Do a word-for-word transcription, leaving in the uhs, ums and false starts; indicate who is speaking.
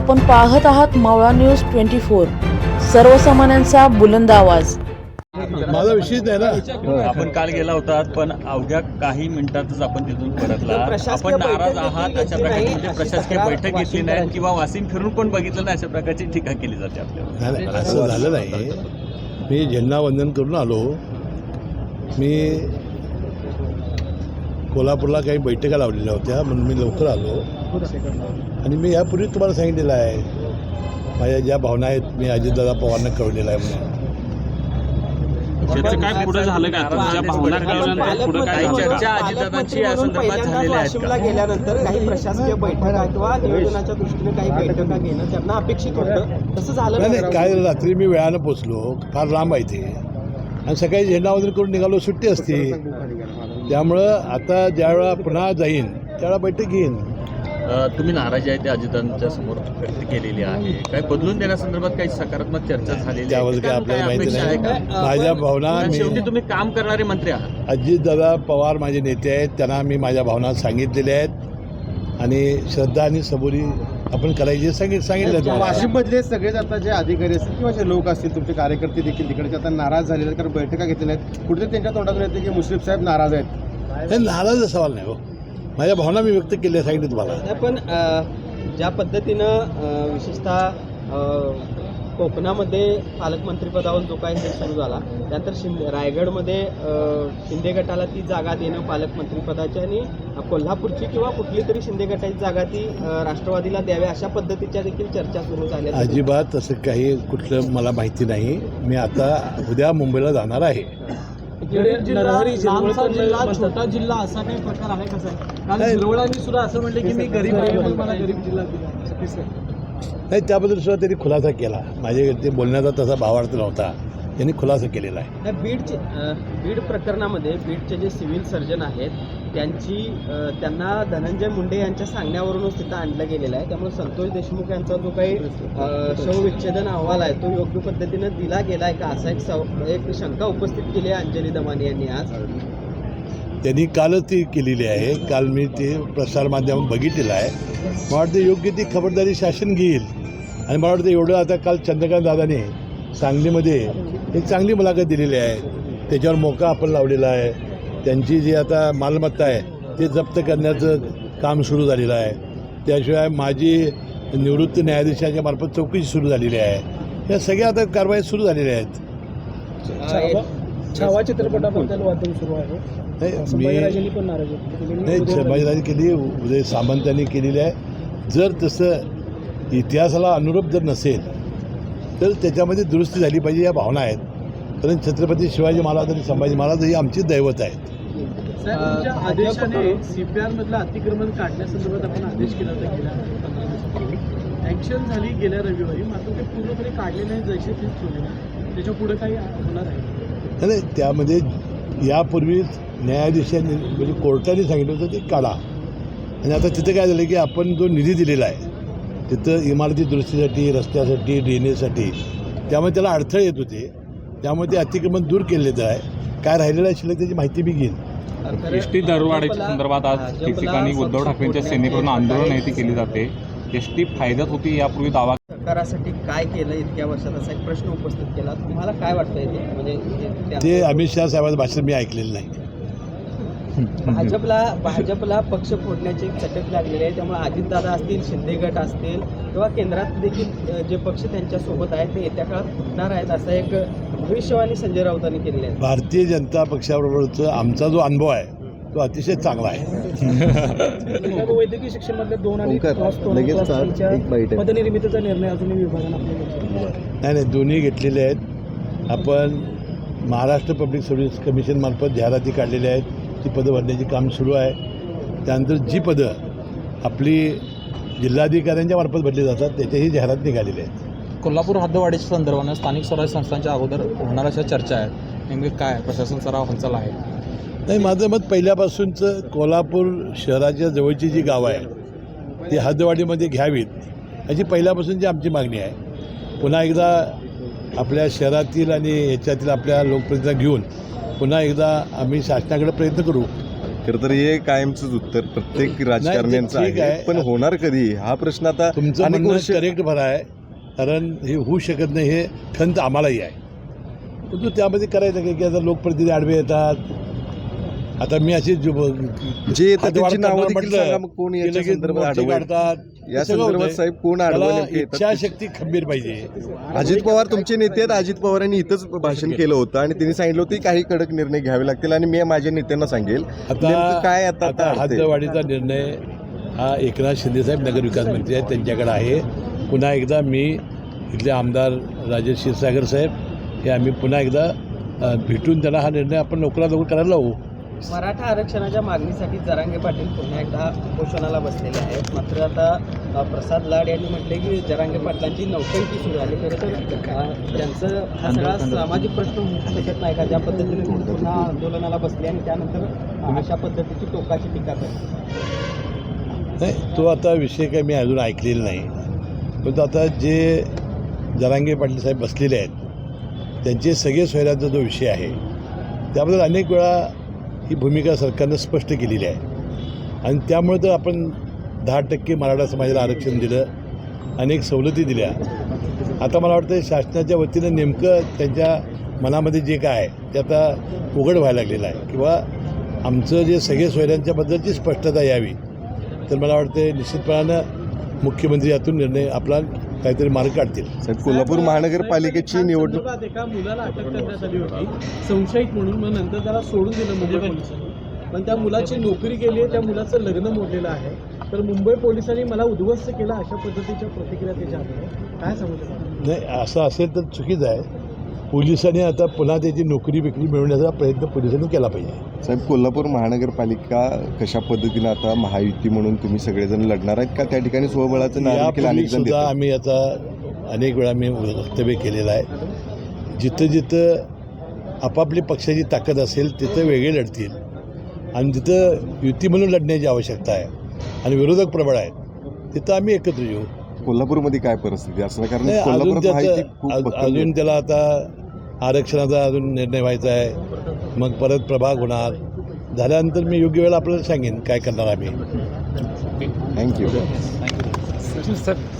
Speaker 1: आपण पाहत आहात मावळा न्यूज ट्वेंटी फोर, सर्वसामान्यांचा बुलंद आवाज.
Speaker 2: माझा विषयच आहे ना.
Speaker 3: आपण काल गेला होता, पण अवघ्या काही मिनिटातच आपण तिथून परतला. आपण नाराज आहात अशा प्रकारची म्हणजे प्रशासकीय बैठक घेतली नाही किंवा वाशिम फिरून पण बघितलं नाही अशा प्रकारची टीका केली जाते आपल्याला.
Speaker 2: नाही, असं झालं नाही. मी झेंडावंदन करून आलो. मी कोल्हापूरला काही बैठका लावलेल्या होत्या म्हणून मी लवकर आलो. आणि मी यापूर्वी तुम्हाला सांगितलेलं आहे माझ्या ज्या भावना आहेत मी अजितदादा पवारांना कळवलेलं आहे म्हणून.
Speaker 3: त्याचं काय पुढे झालं का? तुमच्या भावना कळवल्यानंतर पुढे काय चर्चा अजितदादांची या संदर्भात झालेल्या आहेत का?
Speaker 4: गेल्यानंतर काही प्रशासकीय बैठका किंवा नियोजनाच्या दृष्टीने काही बैठका घेणं त्यांना अपेक्षित होतं, तसं झालं
Speaker 2: नाही. काय रात्री मी वेळानं पोचलो, फार लांब आहे ते, आणि सकाळी झेंडावंदन करून निघालो. सुट्टी असते, त्यामुळं आता ज्यावेळा पुन्हा जाईन त्यावेळा बैठक घेईन.
Speaker 3: तुम्ही नाराजी आहे ते अजितदादांच्या समोर व्यक्त केलेली आहे. काही बदलून देण्यासंदर्भात काही सकारात्मक चर्चा झालेली आहे
Speaker 2: त्यावर काय आपल्याला माहिती नाही. माझ्या भावना
Speaker 3: शेवटी
Speaker 2: मी
Speaker 3: तुम्ही काम करणारे मंत्री आहात.
Speaker 2: अजितदादा पवार माझे नेते आहेत, त्यांना मी माझ्या भावना सांगितलेल्या आहेत आणि श्रद्धा आणि सबुरी आपण करायची सांगित सांगितलं.
Speaker 5: वाशिममधले सगळेच आता जे अधिकारी असतील किंवा जे लोक असतील तुमचे कार्यकर्ते देखील तिकडचे आता नाराज झालेले आहेत, कारण बैठका घेतलेल्या आहेत. कुठेतरी त्यांच्या तोंडातून येते की मुश्रीफ साहेब नाराज आहेत.
Speaker 2: हे नाराज सवाल नाही हो, माझ्या भावना मी व्यक्त केल्या सांगितलं तुम्हाला.
Speaker 4: पण ज्या पद्धतीनं विशेषतः कोकणामध्ये पालकमंत्रीपदावर जो काही हे सुरू झाला, त्यानंतर शिंदे रायगडमध्ये शिंदे गटाला ती जागा देणं पालकमंत्रीपदाची आणि कोल्हापूरची किंवा कुठली तरी शिंदे गटाची जागा ती राष्ट्रवादीला द्यावी अशा पद्धतीच्या देखील चर्चा सुरू झाल्या.
Speaker 2: अजिबात तसं काही कुठलं मला माहिती नाही. मी आता उद्या मुंबईला जाणार आहे.
Speaker 4: नरहरी जिल्हा छोटा जिल्हा असा काही प्रकार आहे कसा? कारण शिरवळांनी सुद्धा असं म्हटलं की मी गरीब आहे, मला गरीब जिल्हा दिला.
Speaker 2: नाही, त्याबद्दल सुद्धा त्यांनी खुलासा केला. माझ्या ते बोलण्याचा तसा भावार्थ नव्हता, त्यांनी खुलासा केलेला आहे.
Speaker 4: बीडचे बीड प्रकरणामध्ये बीडचे जे सिव्हिल सर्जन आहेत त्यांची त्यांना धनंजय मुंडे यांच्या सांगण्यावरूनच तिथं आणलं गेलेलं आहे. त्यामुळे संतोष देशमुख यांचा जो काही शवविच्छेदन अहवाल आहे तो योग्य पद्धतीनं दिला गेला आहे का, असा एक एक शंका उपस्थित केली आहे अंजली दमानी यांनी आज.
Speaker 2: त्यांनी कालच ती केलेली आहे. काल मी ते प्रसारमाध्यमात बघितलेलं आहे. मला वाटतं योग्य ती खबरदारी शासन घेईल. आणि मला वाटतं एवढं आता काल चंद्रकांत दादाने सांगलीमध्ये एक चांगली मुलाखत दिलेली आहे. त्याच्यावर मोका आपण लावलेला आहे. त्यांची जी आता मालमत्ता आहे ते जप्त करण्याचं काम सुरू झालेलं आहे. त्याशिवाय माजी निवृत्त न्यायाधीशांच्या मार्फत चौकशी सुरू झालेली आहे. या सगळ्या आता कारवाई सुरू झालेल्या आहेत.
Speaker 4: छावा चित्रपटाबद्दल वादन सुरू आहे.
Speaker 2: मी नाही, संभाजीराजे केली, उदय सामंतांनी केलेली आहे. जर तसं इतिहासाला अनुरूप जर नसेल तर त्याच्यामध्ये दुरुस्ती झाली पाहिजे या भावना आहेत. कारण छत्रपती शिवाजी महाराज आणि संभाजी महाराज ही आमची दैवत आहेत.
Speaker 4: आदेशाने सीपीआर मधलं अतिक्रमण काढण्यासंदर्भात आपण आदेश केला होता गेल्या ॲक्शन झाली गेल्या रविवारी, मात्र ते पूर्णपणे काढले नाही, जैसे तेच ठेवले. त्याच्या पुढे काही होणार आहे?
Speaker 2: नाही, त्यामध्ये यापूर्वीच न्यायाधीशांनी म्हणजे कोर्टाने सांगितलं होतं ते काढा. आणि आता तिथं काय झालं की आपण जो निधी दिलेला आहे तिथं इमारती दुरुस्तीसाठी, रस्त्यासाठी, ड्रेनेजसाठी, त्यामुळे त्याला अडथळे येत होते. त्यामुळे ते अतिक्रमण दूर केले आहे. काय राहिलेलं आहे शिल्लक त्याची माहिती मी घेईन.
Speaker 6: एस टी दरवाढीच्या संदर्भात आज ठिकठिकाणी उद्धव ठाकरेंच्या सेनेकडून आंदोलन आहे ती केली जाते. एस टी फायद्यात होती यापूर्वी दावा.
Speaker 4: सरकारासाठी काय केलं इतक्या वर्षात असा एक प्रश्न उपस्थित केला. तुम्हाला काय वाटतंय ते? म्हणजे
Speaker 2: ते अमित शहा साहेबांचं भाषण मी ऐकलेलं नाही.
Speaker 4: भाजपला भाजपला पक्ष फोडण्याची एक चटक लागलेली आहे. त्यामुळे अजितदादा असतील, शिंदे गट असतील किंवा केंद्रात देखील जे पक्ष त्यांच्यासोबत आहेत ते येत्या काळात फुटणार आहेत असा एक भविष्यवाणी संजय राऊतांनी केलेली आहे.
Speaker 2: भारतीय जनता पक्षाबरोबरचा आमचा जो अनुभव आहे तो अतिशय चांगला आहे.
Speaker 4: वैद्यकीय शिक्षणामधले दोन आणि पदनिर्मितीचा निर्णय अजूनही विभागाने
Speaker 2: नाही नाही दोन्ही घेतलेले आहेत. आपण महाराष्ट्र पब्लिक सर्व्हिस कमिशनमार्फत जाहिराती काढलेल्या आहेत. ती पदं भरण्याचे काम सुरू आहे. त्यानंतर जी पदं आपली जिल्हाधिकाऱ्यांच्या मार्फत भरली जातात त्याच्याही जाहिरात निघालेल्या आहेत.
Speaker 6: कोल्हापूर हद्दवाढीच्या संदर्भानं स्थानिक स्वराज्य संस्थांच्या अगोदर होणार अशा चर्चा आहेत. नेमके काय प्रशासन सराव हालचाल आहे?
Speaker 2: नाही, माझं मत पहिल्यापासूनचं कोल्हापूर शहराच्या जवळची जी गावं आहे ती हद्दवाढीमध्ये घ्यावीत अशी पहिल्यापासूनची आमची मागणी आहे. पुन्हा एकदा आपल्या शहरातील आणि ह्याच्यातील आपल्या लोकप्रतिनिधींना घेऊन पुन्हा एकदा आम्ही शासनाकडे प्रयत्न करू
Speaker 7: खरं तर हे कायमचंच उत्तर प्रत्येक राजकारण्यांचं
Speaker 2: ठीक
Speaker 7: आहे
Speaker 2: आहे.
Speaker 7: पण होणार कधी हा प्रश्न आता
Speaker 2: तुमचं
Speaker 7: अनेक
Speaker 2: म्हणणं
Speaker 7: वर्ष
Speaker 2: करेक्ट भरा आहे, कारण हे होऊ शकत नाही हे खंत आम्हालाही आहे. परंतु त्यामध्ये करायचं काय की आता लोकप्रतिनिधी आडवे येतात. आता मी अशी
Speaker 7: जे येतात त्यांची नावं देखील सांगा मग कोण याच्या संदर्भात आडवं आहे?
Speaker 2: काढतात.
Speaker 7: या
Speaker 2: सगळं
Speaker 7: संदर्भात
Speaker 2: होतंय.
Speaker 7: साहेब कोण आडवं
Speaker 2: त्याला
Speaker 7: नेमके येतात?
Speaker 2: इच्छाशक्ती खंबीर पाहिजे.
Speaker 7: अजित पवार तुमचे नेते आहेत. अजित पवारांनी इथंच भाषण केलं होतं आणि त्यांनी सांगितलं होतं की काही कडक निर्णय घ्यावे लागतील आणि मी माझ्या नेत्यांना सांगेल
Speaker 2: आता
Speaker 7: नेमकं काय आता
Speaker 2: आता
Speaker 7: आता अडतंय?
Speaker 2: हद्दवाढीचा निर्णय हा एकनाथ शिंदेसाहेब नगरविकास मंत्री आहेत त्यांच्याकडे आहे. पुन्हा एकदा मी इथले आमदार राजेश क्षीरसागर साहेब हे आम्ही पुन्हा एकदा अ, भेटून त्यांना हा निर्णय आपण लवकरात लवकर करायला लावू.
Speaker 4: मराठा आरक्षणाच्या मागणीसाठी जरांगे पाटील पुन्हा एकदा उपोषणाला बसलेले आहेत. मात्र आता अ, प्रसाद लाड यांनी म्हटले की जरांगे पाटलांची नौटंकी सुरू झाली. खरं तर अ, त्यांचं हा सगळा सामाजिक प्रश्न होऊ शकत नाही का, ज्या पद्धतीने ते पुन्हा आंदोलनाला बसले आणि त्यानंतर अ, अशा पद्धतीची टोकाची टीका करतात.
Speaker 2: नाही, तो आता विषय काही मी अजून ऐकलेला नाही. परंतु आता जे जरांगे पाटील साहेब बसलेले आहेत त्यांचे सगळे सोयऱ्यांचा जो विषय आहे त्याबद्दल अनेक वेळा ही भूमिका सरकारनं स्पष्ट केलेली आहे आणि त्यामुळे तर आपण दहा टक्के मराठा समाजाला आरक्षण दिलं, अनेक सवलती दिल्या. आता मला वाटतं शासनाच्या वतीनं नेमकं त्यांच्या मनामध्ये जे काय आहे ते आता उघड व्हायला लागलेलं आहे किंवा आमचं जे सगळे सोयऱ्यांच्याबद्दलची स्पष्टता यावी. तर मला वाटतं निश्चितपणानं मुख्यमंत्री यातून निर्णय आपला काहीतरी मार्ग काढतील.
Speaker 7: साहेब कोल्हापूर महानगरपालिकेची निवडणूक
Speaker 8: संदर्भात एका मुलाला अटक करण्यात आली होती संशयित म्हणून, मग नंतर त्याला सोडून दिलं मुंबई पोलिसांनी. पण त्या मुलाची नोकरी केली आहे, त्या मुलाचं लग्न मोडलेलं आहे. तर मुंबई पोलिसांनी मला उद्ध्वस्त केला अशा पद्धतीच्या प्रतिक्रिया त्याच्या आहे. काय सांगू शकता?
Speaker 2: नाही, असं असेल तर चुकीचं आहे. पोलिसांनी आता पुन्हा त्याची नोकरी बिकरी मिळवण्याचा प्रयत्न पोलिसांनी केला पाहिजे.
Speaker 7: साहेब कोल्हापूर महानगरपालिका कशा पद्धतीनं आता महायुती म्हणून तुम्ही सगळेजण लढणार आहेत का? त्या ठिकाणी स्वबळाचं नाव देखील
Speaker 2: यापूर्वी
Speaker 7: अनेक जण
Speaker 2: सुद्धा
Speaker 7: देतात.
Speaker 2: आम्ही आता अनेक वेळा मी वक्तव्य केलेलं आहे. जिथं जिथं आपापली पक्षाची ताकद असेल तिथं वेगळे लढतील आणि जिथं युती म्हणून लढण्याची आवश्यकता आहे आणि विरोधक प्रबळ आहेत तिथं आम्ही एकत्र येऊ.
Speaker 7: कोल्हापूरमध्ये काय परिस्थिती असणार? कारण
Speaker 2: नाही, अजून
Speaker 7: कोल्हापुरात माहिती
Speaker 2: त्याचं
Speaker 7: खूप
Speaker 2: अज-
Speaker 7: भक्कम
Speaker 2: अजून
Speaker 7: आहे.
Speaker 2: त्याला आता आरक्षणाचा अजून निर्णय व्हायचा आहे. मग परत प्रभाग होणार झाल्यानंतर मी योग्य वेळेला आपल्याला सांगेन काय करणार आम्ही.
Speaker 7: थँक्यू.